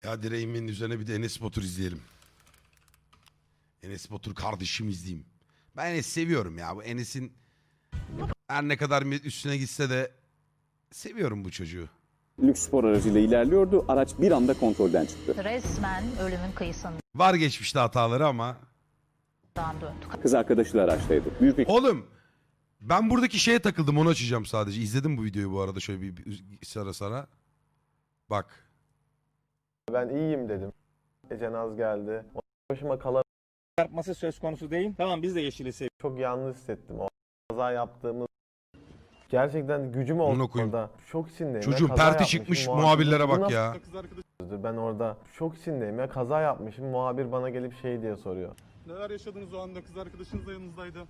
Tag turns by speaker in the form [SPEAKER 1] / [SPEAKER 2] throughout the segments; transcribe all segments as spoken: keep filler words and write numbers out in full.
[SPEAKER 1] Ya direğimin üzerine bir de Enes Batur izleyelim. Enes Batur kardeşim izleyeyim. Ben Enes seviyorum ya. Bu Enes'in her ne kadar üstüne gitse de seviyorum bu çocuğu.
[SPEAKER 2] Lüks spor aracıyla ilerliyordu. Araç bir anda kontrolden çıktı.
[SPEAKER 3] Resmen ölümün kıyısından
[SPEAKER 1] Var geçmişte hataları ama.
[SPEAKER 3] döndük.
[SPEAKER 2] Kız arkadaşı da araçtaydı. Büyük bir
[SPEAKER 1] Oğlum ben buradaki şeye takıldım, onu açacağım sadece. İzledim bu videoyu bu arada şöyle bir, bir sara sara. Bak.
[SPEAKER 4] Ben iyiyim dedim. Ece Naz geldi. O başıma kalan
[SPEAKER 5] Çarpması söz konusu değil. Tamam biz de yeşili seviyoruz.
[SPEAKER 4] çok yalnız hissettim. O kaza yaptığımız gerçekten gücüm
[SPEAKER 1] Amına
[SPEAKER 4] oldu
[SPEAKER 1] koyayım.
[SPEAKER 4] orada. Şok içindeyim.
[SPEAKER 1] Çocuğun
[SPEAKER 4] Ya, kaza
[SPEAKER 1] perti
[SPEAKER 4] yapmışım,
[SPEAKER 1] çıkmış,
[SPEAKER 4] muhabir-
[SPEAKER 1] muhabirlere
[SPEAKER 4] Bu
[SPEAKER 1] bak
[SPEAKER 4] nasıl
[SPEAKER 1] ya.
[SPEAKER 4] sözdür? Ben orada şok içindeyim ya, kaza yapmışım. Muhabir bana gelip şey diye soruyor.
[SPEAKER 6] Neler yaşadınız o anda? Kız arkadaşınız da yanınızdaydı.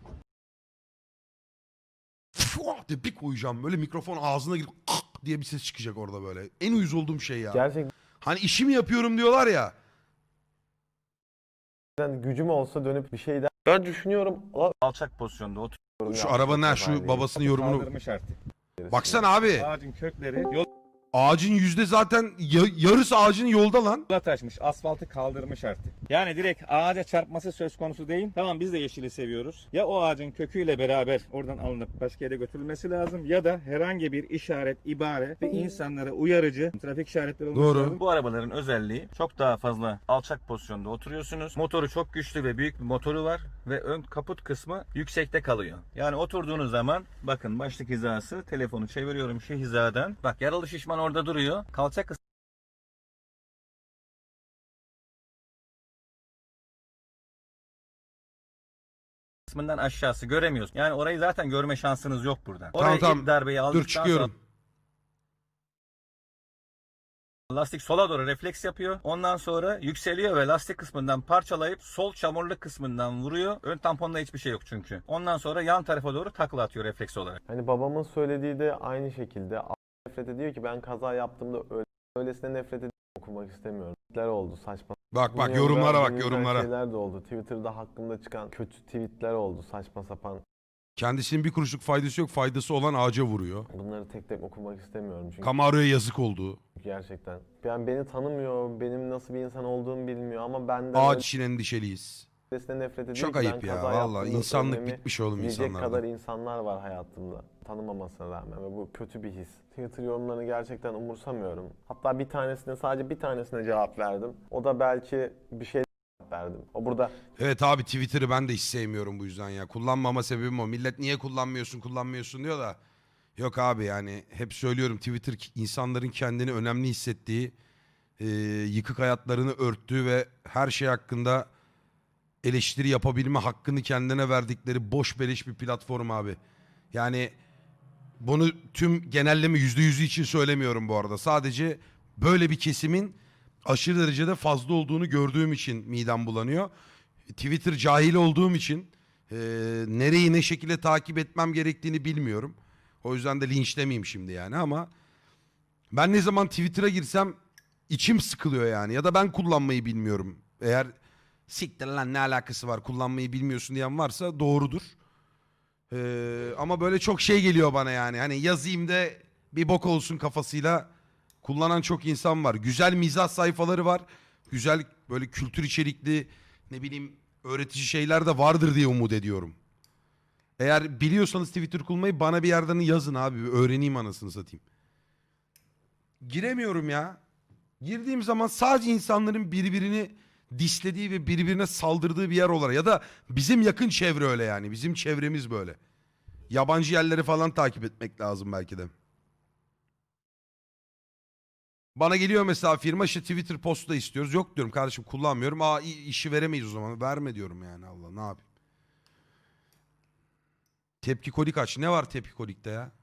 [SPEAKER 1] Fuah diye bir koyacağım böyle, mikrofon ağzına girip kık diye bir ses çıkacak orada böyle. En uyuz olduğum şey ya.
[SPEAKER 4] Gerçekten
[SPEAKER 1] Hani işimi yapıyorum diyorlar ya.
[SPEAKER 4] gücüm olsa dönüp bir şey der. Ben düşünüyorum. "Aa,
[SPEAKER 5] Alçak pozisyonda oturuyor.
[SPEAKER 1] Şu
[SPEAKER 4] ya,
[SPEAKER 1] arabanın ha,
[SPEAKER 4] kazayı
[SPEAKER 1] şu babasının yorumunu.
[SPEAKER 5] Kaldırmış artık.
[SPEAKER 1] Baksana abi.
[SPEAKER 5] Ağacın kökleri yola
[SPEAKER 1] Ağacın yüzde zaten ya- yarısı ağacın yolda lan.
[SPEAKER 5] taşmış. Asfaltı kaldırmış artık. Yani direkt ağaca çarpması söz konusu değil. Tamam biz de yeşili seviyoruz. Ya o ağacın köküyle beraber oradan alınıp başka yere götürülmesi lazım. Ya da herhangi bir işaret, ibare ve insanlara uyarıcı trafik işaretleri olması
[SPEAKER 1] Doğru.
[SPEAKER 5] lazım. Bu arabaların özelliği çok daha fazla alçak pozisyonda oturuyorsunuz. Motoru çok güçlü ve büyük bir motoru var. Ve ön kaput kısmı yüksekte kalıyor. Yani oturduğunuz zaman bakın başlık hizası, telefonu çeviriyorum şu hizadan. Bak yaralı şişman orada duruyor. Kalça kısmından aşağısı göremiyoruz. Yani orayı zaten görme şansınız yok buradan.
[SPEAKER 1] Tamam,
[SPEAKER 5] Oraya
[SPEAKER 1] tamam.
[SPEAKER 5] ilk darbeyi
[SPEAKER 1] Dur
[SPEAKER 5] aldıktan
[SPEAKER 1] çıkıyorum.
[SPEAKER 5] sonra lastik sola doğru refleks yapıyor. Ondan sonra yükseliyor ve lastik kısmından parçalayıp sol çamurluk kısmından vuruyor. Ön tamponda hiçbir şey yok çünkü. Ondan sonra yan tarafa doğru takla atıyor refleks olarak.
[SPEAKER 4] Hani babamın söylediği de aynı şekilde. Nefret ediyor ki ben kaza yaptığımda öyle, öylesine nefret ediyorum. Okumak istemiyorum. Tweetler oldu saçma.
[SPEAKER 1] Bak bak
[SPEAKER 4] Dünyada
[SPEAKER 1] yorumlara bak
[SPEAKER 4] dinlenen
[SPEAKER 1] yorumlara.
[SPEAKER 4] Şeyler de oldu. Twitter'da hakkımda çıkan kötü tweetler oldu, saçma sapan.
[SPEAKER 1] Kendisinin bir kuruşluk faydası yok. Faydası olan ağaca vuruyor.
[SPEAKER 4] Bunları tek tek okumak istemiyorum çünkü
[SPEAKER 1] Camaro'ya yazık oldu.
[SPEAKER 4] gerçekten. Yani beni tanımıyor, benim nasıl bir insan olduğumu bilmiyor ama benden
[SPEAKER 1] Ağaç için endişeliyiz.
[SPEAKER 4] öylesine nefret ediyor
[SPEAKER 1] Çok
[SPEAKER 4] ki ben
[SPEAKER 1] ayıp ya.
[SPEAKER 4] kaza
[SPEAKER 1] Vallahi
[SPEAKER 4] yaptığımda
[SPEAKER 1] insanlık
[SPEAKER 4] söylememi
[SPEAKER 1] bitmiş oğlum
[SPEAKER 4] diyecek
[SPEAKER 1] insanlarda.
[SPEAKER 4] kadar insanlar var hayatımda. Tanımamasına rağmen ve bu kötü bir his. Twitter yorumlarını gerçekten umursamıyorum. Hatta bir tanesine, sadece bir tanesine cevap verdim. O da belki bir şey verdim. O burada
[SPEAKER 1] Evet abi, Twitter'ı ben de hiç sevmiyorum bu yüzden ya. Kullanmama sebebim o. Millet niye kullanmıyorsun kullanmıyorsun diyor da. Yok abi, yani hep söylüyorum, Twitter insanların kendini önemli hissettiği, e, yıkık hayatlarını örttüğü ve her şey hakkında eleştiri yapabilme hakkını kendine verdikleri boş beleş bir platform abi. Yani bunu tüm genelleme yüzde yüzü için söylemiyorum bu arada. Sadece böyle bir kesimin aşırı derecede fazla olduğunu gördüğüm için midem bulanıyor. Twitter cahil olduğum için e, nereyi ne şekilde takip etmem gerektiğini bilmiyorum. O yüzden de linçlemeyeyim şimdi yani, ama ben ne zaman Twitter'a girsem içim sıkılıyor yani. Ya da ben kullanmayı bilmiyorum. Eğer siktir lan ne alakası var kullanmayı bilmiyorsun diyen varsa doğrudur. Ee, ama böyle çok şey geliyor bana yani. Hani yazayım da bir bok olsun kafasıyla kullanan çok insan var. Güzel mizah sayfaları var. Güzel böyle kültür içerikli, ne bileyim, öğretici şeyler de vardır diye umut ediyorum. Eğer biliyorsanız Twitter kullanmayı bana bir yerden yazın abi. Bir öğreneyim anasını satayım. Giremiyorum ya. Girdiğim zaman sadece insanların birbirini dislediği ve birbirine saldırdığı bir yer olarak, ya da bizim yakın çevre öyle yani. Bizim çevremiz böyle. Yabancı yerleri falan takip etmek lazım belki de. Bana geliyor mesela firma, işte Twitter postu da istiyoruz. Yok diyorum kardeşim, kullanmıyorum. Aa işi veremeyiz o zaman. Verme diyorum yani, Allah ne yapayım. Tepki kolik aç. Ne var tepki kolikte ya?